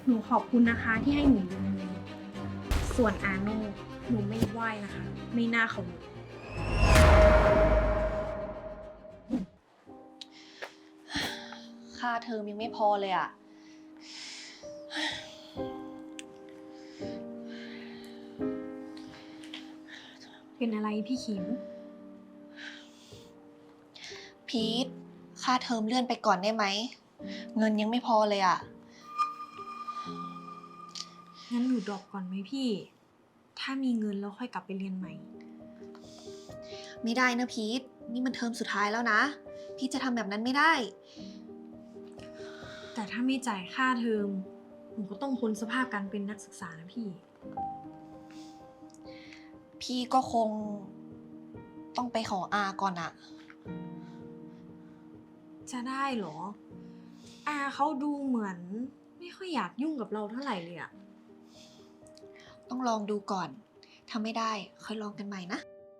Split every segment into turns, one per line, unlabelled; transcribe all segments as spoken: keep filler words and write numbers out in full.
นูขอบคุณนะคะที่ให้หนูยืมเงินส่วนอาโน่หนูไม่ไหวนะคะ ไม่น่าเขาเลย
ค่าเทอมยังไม่พอเลยอะ
เป็นอะไรพี่ขิม
พีทค่าเทอมเลื่อนไปก่อนได้ไหม เงินยังไม่พอเลยอะ
งั้นหนูดรอปก่อนไหมพี่ ถ้ามีเงินแล้วค่อยกลับไปเรียนใหม่
ไม่ได้นะพีทนี่มันเทอมสุดท้ายแล้วนะ พีทจะทำแบบนั้นไม่ได้
แต่ถ้าไม่จ่ายค่าเทอมหนูก็ต้องพ้นสภาพการเป็นนักศึกษานะพี่
พี่ก็คงต้องไปขออาก่อนอะ
จะได้เหรอ อาเขาดูเหมือนไม่ค่อยอยากยุ่งกับเราเท่าไหร่เลยอะ
ต้องลองดูก่อน ถ้าไม่ได้ค่อยลองกันใหม่นะ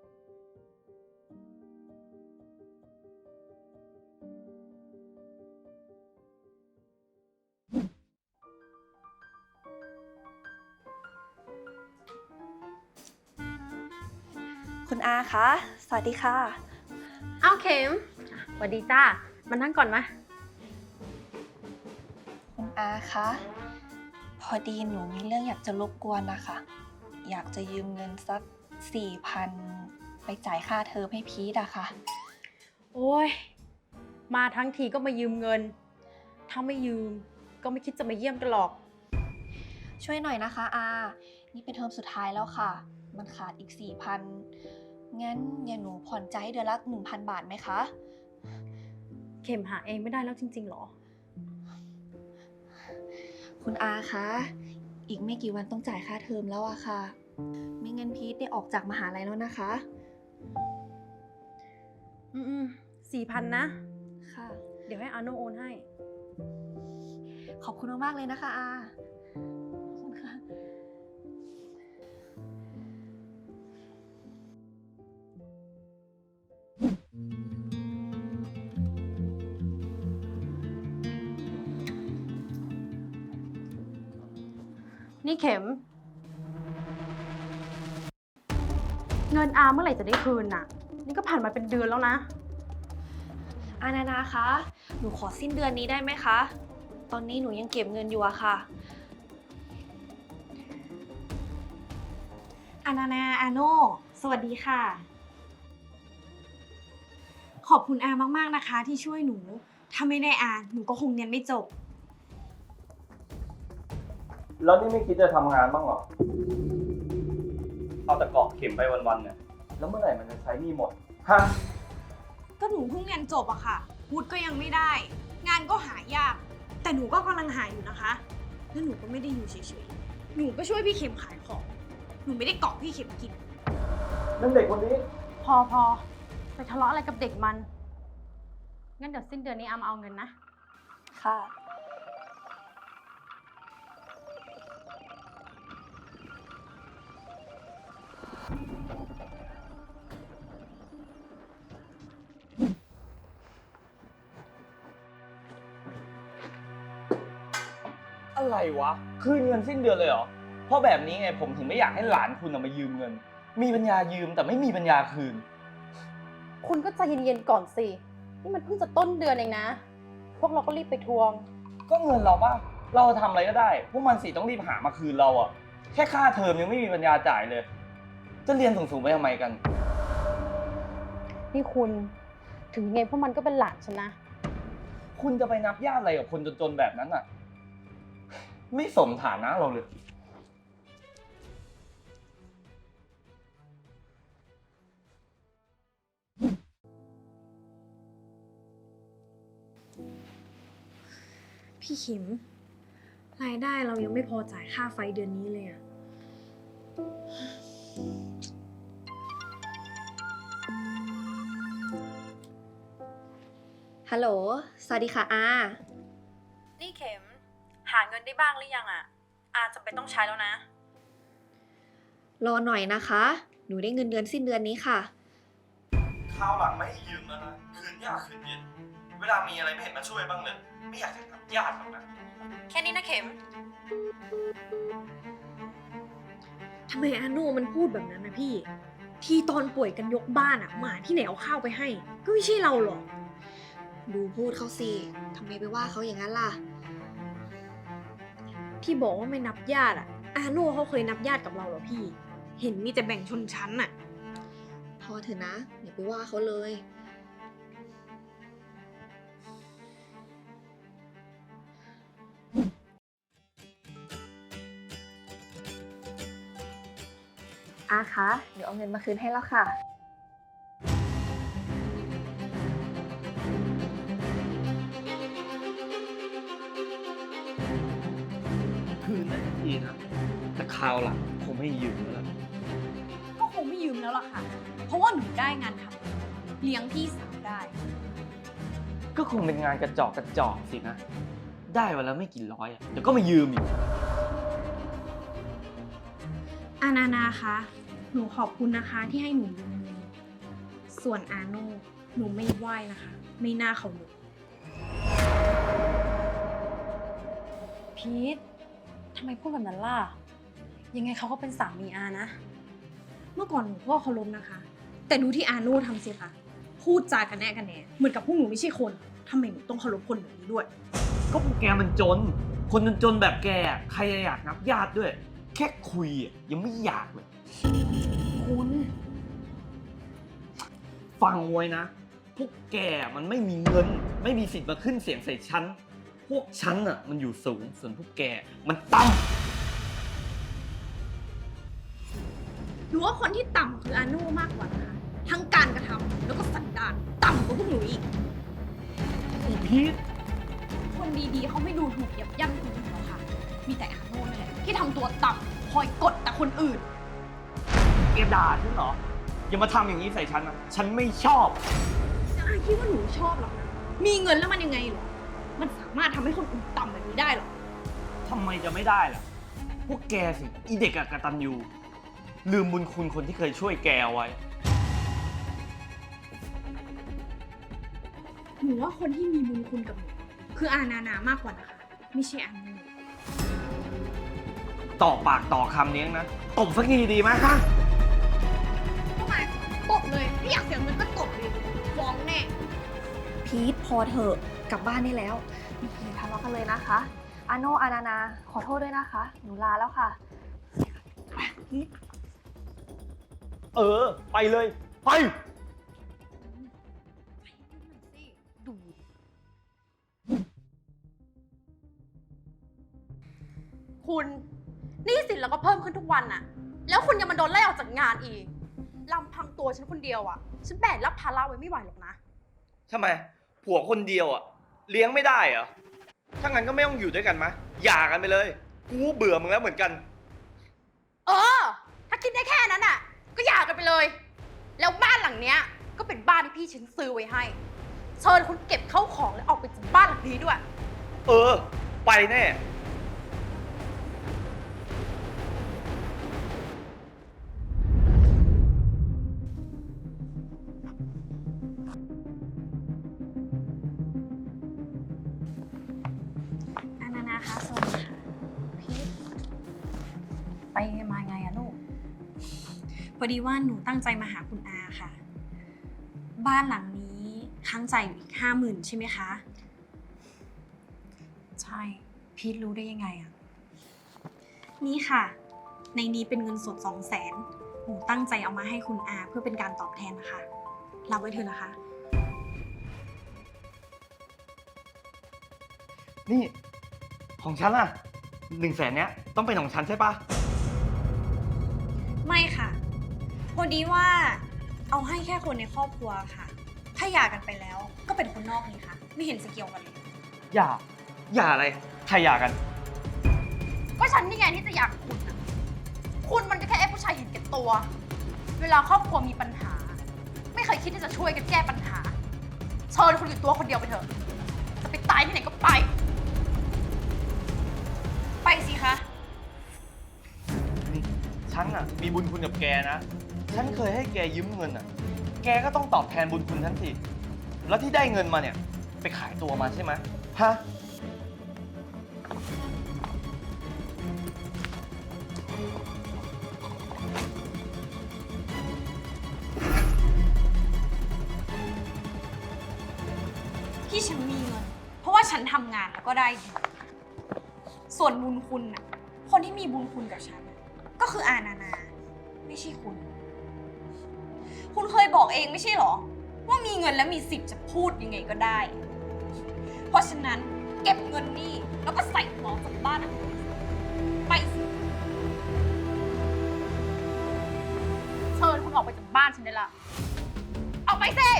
คุณอาคะ สวัสดีค่ะ
อ้าวเข็มสวัสดีจ้ามานั่งก่อนมา
คุณอาคะ พอดีหนูมีเรื่องอยากจะรบกวนนะคะ อยากจะยืมเงินสักสี่พันไปจ่ายค่าเทอมให้พีทอะค่ะ
โอ้ยมาทั้งทีก็มายืมเงิน ถ้าไม่ยืมก็ไม่คิดจะมาเยี่ยมกันหรอก
ช่วยหน่อยนะคะอา นี่เป็นเทอมสุดท้ายแล้วค่ะ มันขาดอีกสี่พันงั้นอย่าหนูผ่อนใจายเดือนละหนึ่งพันบาทไหมคะ
เข็มหาเองไม่ได้แล้วจริงๆหรอ
คุณอาคะ อีกไม่กี่วันต้องจ่ายค่าเทอมแล้วอะค่ะไม่งั้นพีทได้ออกจากมหาลัยแล้วนะคะ
อืมสี่พันนะ
ค่ะ
เดี๋ยวให้อาโนโอนให้
ขอบคุณมากๆเลยนะคะอาขอบคุณค่ะ
นี่เข็ม เงินอาเมื่อไหร่จะได้คืนน่ะ นี่ก็ผ่านมาเป็นเดือนแล้วนะ
อานานาคะ หนูขอสิ้นเดือนนี้ได้ไหมคะ ตอนนี้หนูยังเก็บเงินอยู่อะค่ะ
อานานาอาโน่สวัสดีค่ะ ขอบคุณอามากๆนะคะ ที่ช่วยหนู ถ้าไม่ได้อาหนูก็คงเรียนไม่จบ
แล้วนี่ไม่คิดจะทำงานบ้างเหรอ เอาแต่เกาะเข็มไปวันๆเนี่ย แล้วเมื่อไหร่มันจะใช้หนี่หมด ฮะ
ก็หนูเพิ่งเรียนจบอะค่ะวุฒิก็ยังไม่ได้ งานก็หายาก แต่หนูก็กำลังหาอยู่นะคะ แล้วหนูก็ไม่ได้อยู่เฉยๆ หนูก็ช่วยพี่เข็มขายของ หนูไม่ได้เกาะพี่เข็มกิน
นั่นเด็กคนนี้
พอพอไปทะเลาะอะไรกับเด็กมัน งั้นเดี๋ยวสิ้นเดือนนี้อามาเอาเงินนะ
ค่ะ
อะไรวะ คืนเงินสิ้นเดือนเลยเหรอ เพราะแบบนี้ไงผมถึงไม่อยากให้หลานคุณเอามายืมเงิน มีปัญญายืมแต่ไม่มีปัญญาคืน
คุณก็ใจเย็นๆก่อนสิ นี่มันเพิ่งจะต้นเดือนเองนะ พวกเราก็รีบไปทวง
ก็เงินเราป่ะ เราทำอะไรก็ได้ พวกมันสิต้องรีบหามาคืนเราอะแค่ค่าเทอมยังไม่มีปัญญาจ่ายเลย จะเรียนสูงๆไปทำไมกัน
นี่คุณ ถึงยังไงพวกมันก็เป็นหลานฉันนะ
คุณจะไปนับญาติอะไรกับคนจนๆแบบนั้นอะไม่สมฐานะเราเลย
พี่เข็ม รายได้เรายังไม่พอจ่ายค่าไฟเดือนนี้เลยอะ
ฮัลโหล สวัสดีค่ะอา
นี่เข็ม หาเงินได้บ้างหรือยังอ่ะ อาจจะเป็นต้องใช้แล้วนะ
รอหน่อยนะคะ หนูได้เงินเดือนสิ้นเดือนนี้ค่ะ
ข้าวหลังไม่ให้ยืมแล้วนะ คืนยากคืนเย็น เวลามีอะไรไม่เห็นมาช่วยบ้างเลย ไม่อยากจะนับญาติหรอกนะ
แค่นี้นะเข็ม
ค
ทำไมอาโน่มันพูดแบบนั้นนะพี่ ที่ตอนป่วยกันยกบ้านอะหมาที่ไหนเอาข้าวไปให้ ก็ไม่ใช่เราหรอก
ดูพูดเขาสิทำไมไปว่าเขาอย่างนั้นล่ะ
ที่บอกว่าไม่นับญาติอะอาโน่เขาเคยนับญาติกับเราเหรอพี่ เห็นมีแต่แบ่งชนชั้นอะ
พอเถอะนะอย่าไปว่าเขาเลย อาคะ เดี๋ยวเอาเงินมาคืนให้แล้วค่ะ
คืนได้ทีนะ แต่คราวหลังคงไม่ยืมแล้วล่ะ
ก็คงไม่ยืมแล้วล่ะค่ะ เพราะว่าหนูได้งานทำเลี้ยงพี่สาวได้
ก็คงเป็นงานกระจอกกระจอกสินะ ได้วันละไม่กี่ร้อยอะเดี๋ยวก็มายืมอีก
อานานาคะ หนูขอบคุณนะคะที่ให้หนูยืมเงิน ส่วนอาโน่หนูไม่ไหว้นะคะ ไม่น่าเคารพ
พีททำไมพูดแบบนั้นล่ะ ยังไงเขาก็เป็นสามีอานะ
เมื่อก่อนหนูก็เคารพนะคะ แต่ดูที่อาโน่ทำสิคะ พูดจากันแน่กันแหน่เหมือนกับพวกหนูไม่ใช่คนทำไมหนูต้องเคารพคนแบบนี้ด้วย
ก็พวกแกมันจน คนจนๆแบบแกอะใครจะอยากนับญาติด้วย แค่คุยอะยังไม่อยากเลย
คุณ
ฟังไว้นะ พวกแกมันไม่มีเงิน ไม่มีสิทธิ์มาขึ้นเสียงใส่ฉัน พวกฉันอ่ะมันอยู่สูง ส่วนพวกแกมันต่ำ
หนูว่าคนที่ต่ำคืออาโน่มากกว่านะคะ ทั้งการกระทำแล้วก็สันดานต่ำกว่าพวกหนูอีก
ไอ้พีท
คนดีๆเขาไม่ดูถูกยับยั้งคนอื่นหรอกค่ะ มีแต่อาโน่นั่นแหละที่ทำตัวต่ำคอยกดแต่คนอื่น
แกด่าฉันเหรอ อย่ามาทำอย่างนี้ใส่ฉันนะ ฉันไม่ชอบ
อาคิดว่าหนูชอบหรอกนะ มีเงินแล้วมันยังไงหรอ มันสามารถทำให้คนอื่นต่ำแบบนี้ได้หรอ
ทำไมจะไม่ได้ล่ะ พวกแกสิ อีเด็กอะกตัญญูลืมบุญคุณคนที่เคยช่วยแกเอาไว้
หนูว่าคนที่มีบุญคุณกับหนูคืออานานามากกว่านะคะ ไม่ใช่อาโน่
ต่อปากต่อคำเนี้ยนะ ตบสักทีดีไหมฮะ
ทำไมตบเลยไม่อยากเสียเงินก็ตบเลยฟ้องแน่
พีทพอเถอะกลับบ้านได้แล้วอย่าทะเลาะกันเลยนะคะ อาโนอานานาขอโทษด้วยนะคะ หนูลาแล้วค่ะ
เออ ไปเลย ไป
ดูคุณหนี้สินเราก็เพิ่มขึ้นทุกวันน่ะ แล้วคุณยังมาโดนไล่ออกจากงานอีกลำพังตัวฉันคนเดียวอ่ะ ฉันแบกรับภาระไว้ไม่ไหวหรอกนะ
ทำไม ผัวคนเดียวอะเลี้ยงไม่ได้เหรอ ถ้างั้นก็ไม่ต้องอยู่ด้วยกันมะหย่ากันไปเลย กูเบื่อมึงแล้วเหมือนกัน
เออ ถ้าคิดได้แค่นั้นอ่ะ ก็หย่ากันไปเลย แล้วบ้านหลังเนี้ย ก็เป็นบ้านที่พี่ฉันซื้อไว้ให้ เชิญคุณเก็บเข้าของแล้วออกไปจากบ้านหลังนี้ด้วย
เออ ไปแน่
อานานาคะสวัสดีค่ะ
พีทไปมาไงอะลูก
พอดีว่าหนูตั้งใจมาหาคุณอาค่ะ บ้านหลังนี้ค้างจ่ายอยู่อีกห้าหมื่นใช่ไหมคะ
ใช่ พีทรู้ได้ยังไงอะ
นี่ค่ะ ในนี้เป็นเงินสดสองแสนหนูตั้งใจเอามาให้คุณอาเพื่อเป็นการตอบแทนนะคะ รับไว้เถอะนะคะ
นี่ ของฉันอะหนึ่งแสนเนี้ยต้องเป็นของฉันใช่ปะ
ไม่ค่ะ พอดีว่าเอาให้แค่คนในครอบครัวค่ะ ถ้าหย่ากันไปแล้วก็เป็นคนนอกนี่ค่ะ ไม่เห็นจะเกี่ยวกันเลย
อย่า อย่าอะไร ใครอย่ากัน
ก็ฉันนี่ไงที่จะอยากคุณอะคุณมันก็แค่ไอ้ผู้ชายเห็นแก่ตัว เวลาครอบครัวมีปัญหา ไม่เคยคิดที่จะช่วยกันแก้ปัญหา เชิญคุณอยู่ตัวคนเดียวไปเถอะ จะไปตายที่ไหนก็ไป
ไปสิคะ
นี่ฉันอะมีบุญคุณกับแกนะ ฉันเคยให้แกยืมเงินอะแกก็ต้องตอบแทนบุญคุณฉันสิ แล้วที่ได้เงินมาเนี่ย ไปขายตัวมาใช่ไหมฮะ
อฉันทำงานแล้วก็ได้ดีส่วนบุญคุณน่ะ คนที่มีบุญคุณกับฉันน่ะก็คืออานานา ไม่ใช่คุณ คุณเคยบอกเองไม่ใช่หรอ ว่ามีเงินแล้วมีสิทธิ์จะพูดยังไงก็ได้ เพราะฉะนั้นเก็บเงินนี่แล้วก็ใส่หัวออกจากบ้านไปสิ
เชิญคุณออกไปจากบ้านฉันได้ละออกไปสิ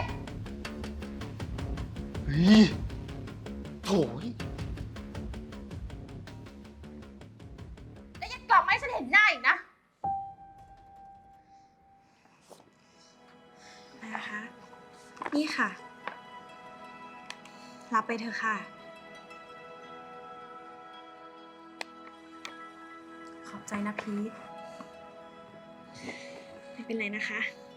เฮ้ยโถ่ย
แล้วอย่ากลับมาให้ฉันเห็นหน้าอีกนะ
นะคะ นี่ค่ะ รับไปเถอะค่ะ ขอบใจนะพีทไม่เป็นไรนะคะ